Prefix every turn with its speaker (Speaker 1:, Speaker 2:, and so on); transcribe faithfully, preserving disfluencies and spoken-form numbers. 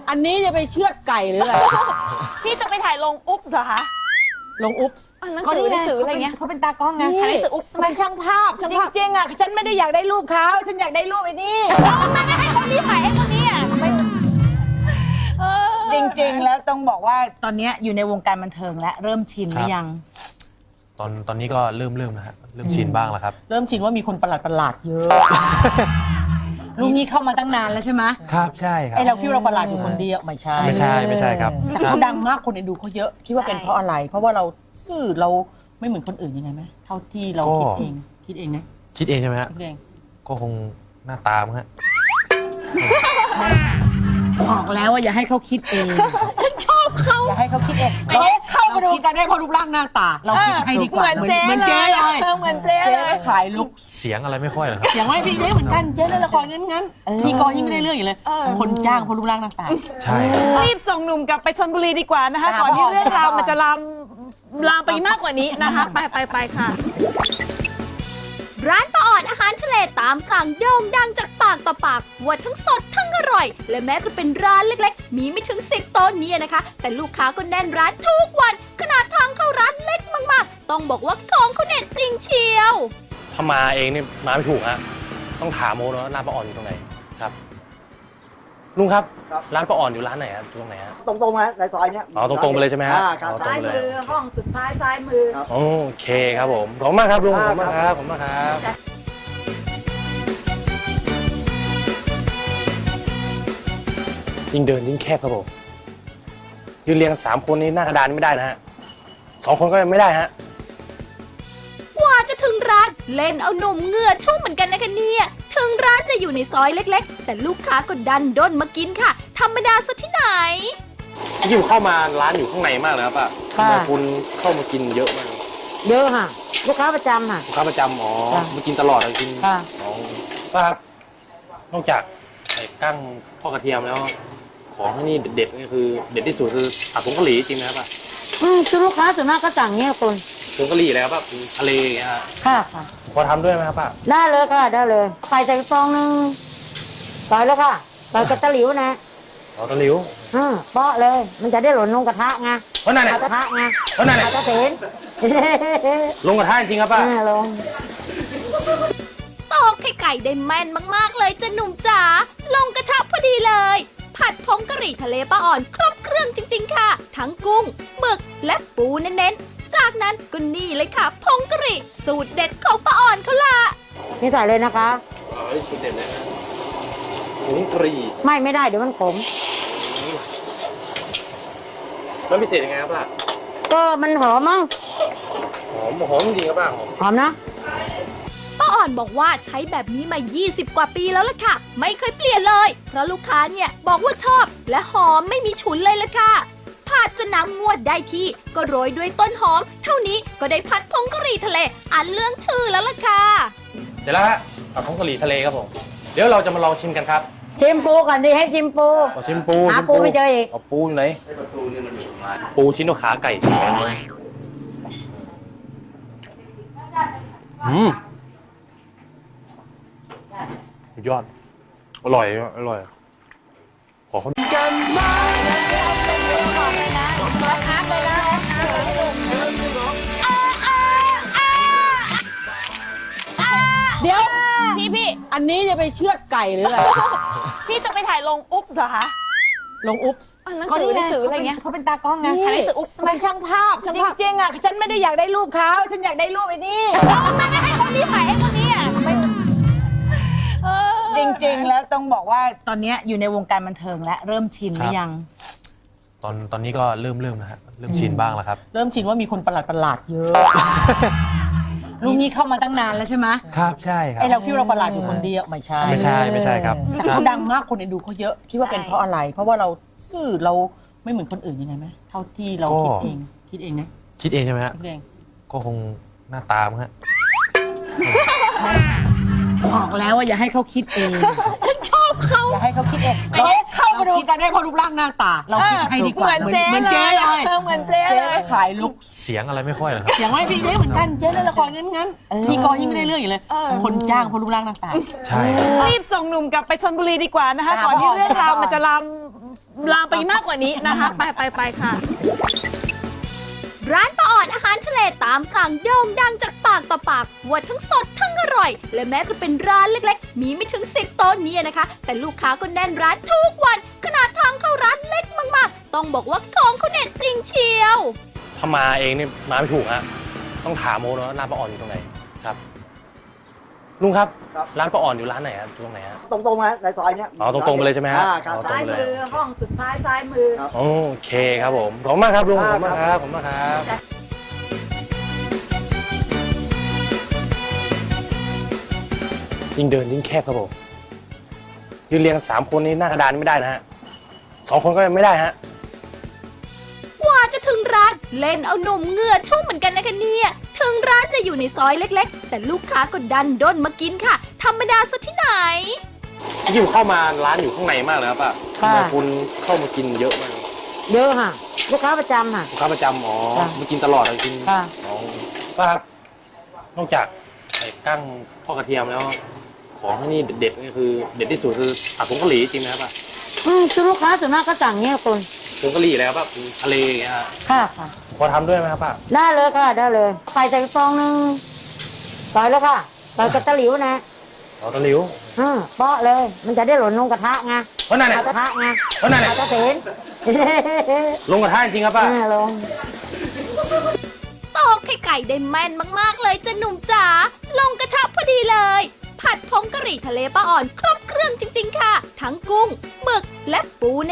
Speaker 1: อันนี้จะไปเชือดไก่หรืออะไร
Speaker 2: พี่จะไปถ่ายลงอุ๊บเหรอคะ
Speaker 1: ลงอุ๊บ
Speaker 2: หนังสือหนังสืออะไรเงี้ย
Speaker 1: เขาเป็นตากล้องไง
Speaker 2: ถ่ายหนังสืออุ๊บ
Speaker 1: เป็นช่างภาพจริงๆอ่ะฉันไม่ได้อยากได้รูปเขาฉันอยากได้รูปไอ้นี่
Speaker 2: ทำไมไม่ให้คนนี้ถ่ายให้คนนี้อ่ะ
Speaker 1: จริงๆแล้วต้องบอกว่าตอนนี้อยู่ในวงการบันเทิงแล้วเริ่มชินหรือยัง
Speaker 3: ตอนตอนนี้ก็เริ่มเริ่มนะฮะเริ่มชินบ้างแล้วครับ
Speaker 1: เริ่มชินว่ามีคนประหลาดประหลาดเยอะลุงนี้เข้ามาตั้งนานแล้วใช่ไหม
Speaker 3: ครับใช่ครับ
Speaker 1: ไอเราคิดเราประหลาดอยู่คนเดียวไม่ใช่
Speaker 3: ไม่ใช่ไม่ใช่ครับ
Speaker 1: แต่เขาดังมากคนเอ็นดูเขาเยอะคิดว่าเป็นเพราะอะไรเพราะว่าเราสื่อเราไม่เหมือนคนอื่นยังไงไหมเท่าที่เราคิดเองคิดเองนะ
Speaker 3: คิดเองใช่ไหมฮะ
Speaker 1: คิดเอง
Speaker 3: ก็คงหน้าตามั้งฮะ
Speaker 1: บอกแล้วว่าอย่าให้เขาคิดเอง
Speaker 2: ฉันชอบเขา
Speaker 1: อย่าให้เขาคิดเองเราเข้ามาดูกันได้เพราะรูปร่างหน้าตาเราคิดให้ดีกว่า
Speaker 2: เหมือนเจ๊เลยเหมือนเจ๊เลย
Speaker 1: ขายลุก
Speaker 3: เสียงอะไรไม่ค่อยหรอครับ
Speaker 1: เสียงไม่พี่เจ๊เหมือนกันเจ๊เล่นละครงั้นงั้นพี่กรยิ่งไม่ได้เรื่องอยู่เลยคนจ้างเพราะรูปร่างหน้าตา
Speaker 3: ใช่
Speaker 2: รีบส่งหนุ่มกลับไปชลบุรีดีกว่านะคะก่อนที่เรื่องราวมันจะลามลามไปมากกว่านี้นะคะไปไปไปค่ะ
Speaker 4: ร้านป้าอ่อนอาหารทะเลตามสั่งโด่งดังจากปากต่อปากว่าทั้งสดทั้งอร่อยและแม้จะเป็นร้านเล็กๆมีไม่ถึงสิบโต๊ะนี้นะคะแต่ลูกค้าก็แน่นร้านทุกวันขนาดทางเข้าร้านเล็กมากๆต้องบอกว่าของเขาเด็ดจริงเชียว
Speaker 3: ถ้ามาเองนี่มาไม่ถูกฮะต้องถามโมนะร้านป้าอ่อนอยู่ตรงไหนครับลุงครับร้านป้าอ่อนอยู่ร้านไหนฮะตรงไหนฮะ
Speaker 5: ตรงๆนะในซอยเนี้ย
Speaker 3: อ๋อตรงๆไปเลยใช่ไหมฮะ
Speaker 5: ซ้ายมือห้องสุดท้ายซ้ายมือ
Speaker 3: โอเคครับผมขอบคุณมากครับลุงขอบคุณมากครับขอบคุณมากครับยิ่งเดินยิ่งแคบครับผมยืนเรียงกันสามคนนี้หน้ากระดานไม่ได้นะฮะสองคนก็ไม่ได้ฮะ
Speaker 4: กว่าจะถึงร้านเล่นเอาหนุ่มเหงื่อชุ่มเหมือนกันนะคะเนี่ยถึงร้านจะอยู่ในซอยเล็กๆแต่ลูกค้าก็ดันด้นมากินค่ะธรรมดาซะที่ไหน
Speaker 3: ยิ่งเข้ามาร้านอยู่ข้างในมากเลยครับป้าทำไมคุณเข้ามากินเยอะมาก
Speaker 1: เยอะค่ะลูกค้าประจำค่ะ
Speaker 3: ลูกค้าประจำอ๋อมากินตลอดเลยกินอ๋อป้าครับนอกจากไอ้กั้งทอดกระเทียมแล้วของที่นี่เด็ดๆนี่คือเด็ดที่สุดคือผัดผงกะหรี่จริงนะครับป้า
Speaker 1: อืมคือลูกค้าส่วนมากก็สั่งเงี้ยคุณ
Speaker 3: ผงกะหรี่แล้วป้าทะเลอย่างเงี้ย
Speaker 1: ค่ะค่ะ
Speaker 3: พอทำด้วยไหมครับป้า
Speaker 1: ได้เลยค่ะได้เลยใส่ใส่ฟองนึงใส่แล้วค่ะใส่กระตะหลิวนะ
Speaker 3: อ๋อตะหลิว
Speaker 1: อืมเปาะเลยมันจะได้หล่นลงกระทะไง
Speaker 3: เพราะนั่นแหละ
Speaker 1: กระทะไง
Speaker 3: เพราะนั่นแหละ
Speaker 1: กระเทน
Speaker 3: ลงกระทะจริงครับป้า
Speaker 1: ลง
Speaker 4: ตอกไข่ไก่ได้แม่นมากๆเลยจะหนุ่มจ๋าลงกระทะพอดีเลยผัดผงกะหรี่ทะเลป้าอ่อนครบเครื่องจริงๆค่ะทั้งกุ้งหมึกและปูเน้นๆจากนั้นก็นี่เลยค่ะผงกะหรี่สูตรเด็ดของป้าอ่อนเขาล่ะ
Speaker 1: นี่ใส่เลยนะคะ
Speaker 3: อ๋อสูตรเด็ดเลยนะผงกะหรี่
Speaker 1: ไม่ไม่ได้เดี๋ยวมันขม
Speaker 3: มันพิเศษยังไงครับป้า
Speaker 1: ก็มันหอมมั้ง
Speaker 3: หอมหอมจริงครับป้าหอม
Speaker 1: หอมนะ
Speaker 4: ป้าอ่อนบอกว่าใช้แบบนี้มายี่สิบกว่าปีแล้วล่ะค่ะไม่เคยเปลี่ยนเลยเพราะลูกค้าเนี่ยบอกว่าชอบและหอมไม่มีฉุนเลยล่ะค่ะผัดจนน้ำงวดได้ที่ก็โรยด้วยต้นหอมเท่านี้ก็ได้ผัดผงกะหรี่ทะเลอันเรื่องชื่อแล้วล่ะค่ะ
Speaker 3: เสร็จแล้วฮะผัดผงกะหรี่ทะเลครับผมเดี๋ยวเราจะมาลองชิมกันครับ
Speaker 1: ชิมปูก่อนดีให้ชิมปู
Speaker 3: ชิมปู
Speaker 1: หาปูไม่เจออีก
Speaker 3: เอาปูอยู่ไหนปูชิ้นขาไก่อืมยอดอร่อยอร่อยขอเขา
Speaker 2: เดี๋ยวพี่พี่
Speaker 1: อันนี้จะไปเชือดไก่หรืออะไร
Speaker 2: พี่จะไปถ่ายลงอุ๊บเหรอคะ
Speaker 1: ลงอุ๊บ
Speaker 2: หนังสือหนังสืออะไรเงี้ย
Speaker 1: เขาเป็นตากล้องไง
Speaker 2: ถ่ายหนังสืออุ๊บ
Speaker 1: เป็นช่างภาพจริงๆอ่ะฉันไม่ได้อยากได้รูปเขาฉันอยากได้รูปไอ้นี่
Speaker 2: ทำไมไม่ให้คนนี้ถ่ายให้คนนี้อ่ะ
Speaker 1: จริงๆแล้วต้องบอกว่าตอนนี้อยู่ในวงการบันเทิงแล้วเริ่มชินหรือยัง
Speaker 3: ตอนตอนนี้ก็เริ่มเริ่มนะฮะเริ่มชินบ้างแล้วครับ
Speaker 1: เริ่มชินว่ามีคนประหลาดประหลาดเยอะลุงนี้เข้ามาตั้งนานแล้วใช่ไหม
Speaker 3: ครับใช่ครับ
Speaker 1: ไอเราคิดเราประหลาดอยู่คนเดียวไม่ใช่
Speaker 3: ไม่ใช่ไม่ใช่ครับ
Speaker 1: แต่เขาดังมากคนเอ็นดูเขาเยอะคิดว่าเป็นเพราะอะไรเพราะว่าเราสื่อเราไม่เหมือนคนอื่นยังไงไหมเท่าที่เราคิดเองคิดเองนะ
Speaker 3: คิดเองใช่ไหมฮะ
Speaker 1: คิดเอง
Speaker 3: ก็คงหน้าตามั้งฮะ
Speaker 1: บอกแล้วว่าอย่าให้เขาคิดเอง
Speaker 2: ฉันชอบเขา
Speaker 1: อย่าให้เขาคิดเองเราเข้ามาดูกันได้เพราะรูปร่างหน้าตาเราคิดให้ดีกว่า
Speaker 2: เหมือนเจ๊เลยเหมือนเจ๊เลย
Speaker 1: ขายลุก
Speaker 3: เสียงอะไรไม่ค่อยหรอครับ
Speaker 1: เสียงไม่พี่เจ๊เหมือนกันเจ๊เล่นละครงั้นงั้นพี่กรยิ่งไม่ได้เรื่องอยู่เลยคนจ้างเพราะรูปร่างหน้าตา
Speaker 3: ใช่
Speaker 2: รีบส่งหนุ่มกลับไปชลบุรีดีกว่านะคะก่อนที่เรื่องราวมันจะลามลามไปมากกว่านี้นะคะ ไปไปไปค่ะ
Speaker 4: ร้านป้าอ่อนอาหารทะเลตามสั่งโด่งดังจากปากต่อปากว่าทั้งสดทั้งอร่อย และแม้จะเป็นร้านเล็กๆ มีไม่ถึงสิบโต๊ะเนี่ยนะคะ แต่ลูกค้าก็แน่นร้านทุกวัน ขนาดทางเข้าร้านเล็กมากๆ ต้องบอกว่าของเขาเด็ดจริงเชียว
Speaker 3: ถ้ามาเองนี่มาไม่ถูกฮะต้องถามโมนะร้านป้าอ่อนอยู่ตรงไหนครับลุงครับ
Speaker 5: ครับ
Speaker 3: ร้านป้าอ่อนอยู่ร้านไหนฮะตรงไหนฮะ
Speaker 5: ตรงๆนะในซอยเนี้ย
Speaker 3: อ๋อตรงๆไปเลยใช่ไหมฮะ
Speaker 5: อ่าครับ
Speaker 3: อ๋อตร
Speaker 5: ซ้าง ย
Speaker 3: ไปเล
Speaker 5: มื
Speaker 3: ย
Speaker 5: อห้องสุดท้ายซ้ายมือครับ
Speaker 3: โอเคครับผมขอบคุณมากครับลุงขอบคุณมากครับขอบคุณมากครับ ยิ่งเดินยิ่งแคบครับผมยืนเรียงกันสามคนนี้หน้ากระดานไม่ได้นะฮะสองคนก็ไม่ได้ฮะ
Speaker 4: กว่าจะถึงร้านเล่นเอาหนุ่มเหงื่อชุ่มเหมือนกันนะคะเนี่ยถึงร้านจะอยู่ในซอยเล็กๆ แต่ลูกค้าก็ดันด้นมากินค่ะ ธรรมดาซะที่ไหน
Speaker 3: จริงๆเข้ามาร้านอยู่ข้างในมากเลยครับป้า
Speaker 6: ค่ะ
Speaker 3: ทำไมคุณเข้ามากินเยอะมาก
Speaker 6: เยอะค่ะ ลูกค้าประจำค่ะ
Speaker 3: ลูกค้าประจำอ๋อ
Speaker 6: ค่ะ
Speaker 3: มากินตลอดเลยกิน
Speaker 6: ค่ะ
Speaker 3: อ๋อป้าครับนอกจากไอ้กั้งทอดกระเทียมแล้ว ของที่นี่เด็ดๆนี่คือ เด็ดที่สุดคือผัดผงกะหรี่จริงไหมครับป้า
Speaker 6: อืมคือลูกค้าส่วนมากก็สั่งเงี้ยคน
Speaker 3: ผงกะหรี่อะไรครับป้าเป็นทะเลอย่างเงี้ยฮะ
Speaker 6: ค่ะค่ะ
Speaker 3: พอทำด้วยไหมครับป้า
Speaker 6: ได้เลยค่ะ ได้เลยใส่ใส่ฟองหนึ่งใส่แล้วค่ะใส่กระตะหลิวนะ
Speaker 3: อ๋อตะหลิว
Speaker 6: อืมเปาะเลย มันจะได้หล่นลงกระทะไง
Speaker 3: เพราะนั่นแหละ
Speaker 6: กระทะไง
Speaker 3: เพราะนั่นแหละ
Speaker 6: กระเห็น
Speaker 3: ลงกระทะจริงครับป้า
Speaker 6: อ่าลง
Speaker 4: ตอกไข่ไก่ได้แม่นมากๆเลยจ้ะหนุ่มจ๋าลงกระทะพอดีเลย ผัดผงกะหรี่ทะเลป้าอ่อนครบเครื่องจริงๆค่ะ ทั้งกุ้งหมึกและปู